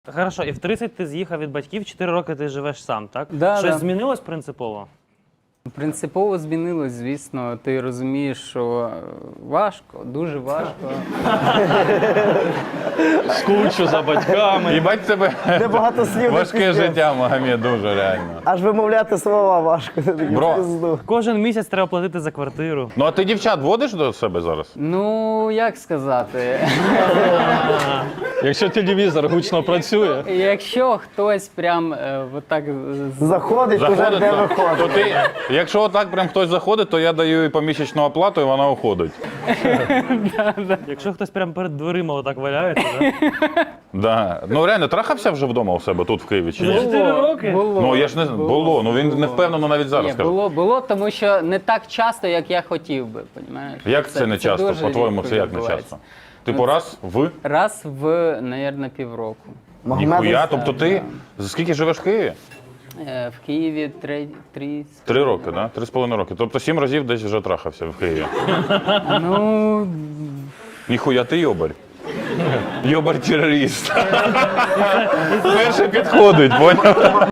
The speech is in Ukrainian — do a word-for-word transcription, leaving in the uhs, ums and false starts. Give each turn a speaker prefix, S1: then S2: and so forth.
S1: Хорошо, і в тридцять ти з'їхав від батьків, чотири роки ти живеш сам, так?
S2: Да,
S1: Щось
S2: да.
S1: змінилось принципово?
S2: Принципово змінилось, звісно. Ти розумієш, що важко, дуже важко.
S3: Скучу за батьками.
S4: Їбать тебе
S5: Де багато слів.
S4: важке
S5: пиздець.
S4: життя, Магомед, дуже реально.
S5: Аж вимовляти слова важко. Ти такий
S4: Бро.
S5: пизду.
S1: Кожен місяць треба платити за квартиру.
S4: Ну а ти дівчат водиш до себе зараз?
S2: Ну, як сказати,
S3: Якщо телевізор гучно працює,
S2: якщо хтось прям е, отак з-
S5: Заходить, уже
S4: Заходить,
S5: не
S4: то, то
S5: виходить.
S4: ти, якщо отак прям хтось заходить, то я даю їй помісячну оплату і вона уходить.
S1: Якщо хтось прямо перед дверима отак валяється, да?
S4: Да. Ну реально, трахався вже вдома у себе тут в Києві чи ні?
S1: Чотири роки?
S2: було.
S4: Ну я ж не знаю, було, ну він не впевнено навіть зараз
S2: Ні,
S4: скаже.
S2: було, було, тому що не так часто, як я хотів би, понімаєш?
S4: Як це, не часто?
S2: дуже
S4: По-твоєму,
S2: рідко
S4: це як не
S2: відбувається.
S4: часто? Типу раз в
S2: Раз в, навірно, півроку.
S4: ніхуя, тобто
S2: так,
S4: ти за скільки живеш в Києві?
S2: Е, В Києві три, три,
S4: Три роки, да? Три з половиною роки. Тобто сім разів десь вже трахався в Києві.
S2: ну,
S4: Ніхуя ти йобарь. Йобар-терорист. Перший підходить, поняв?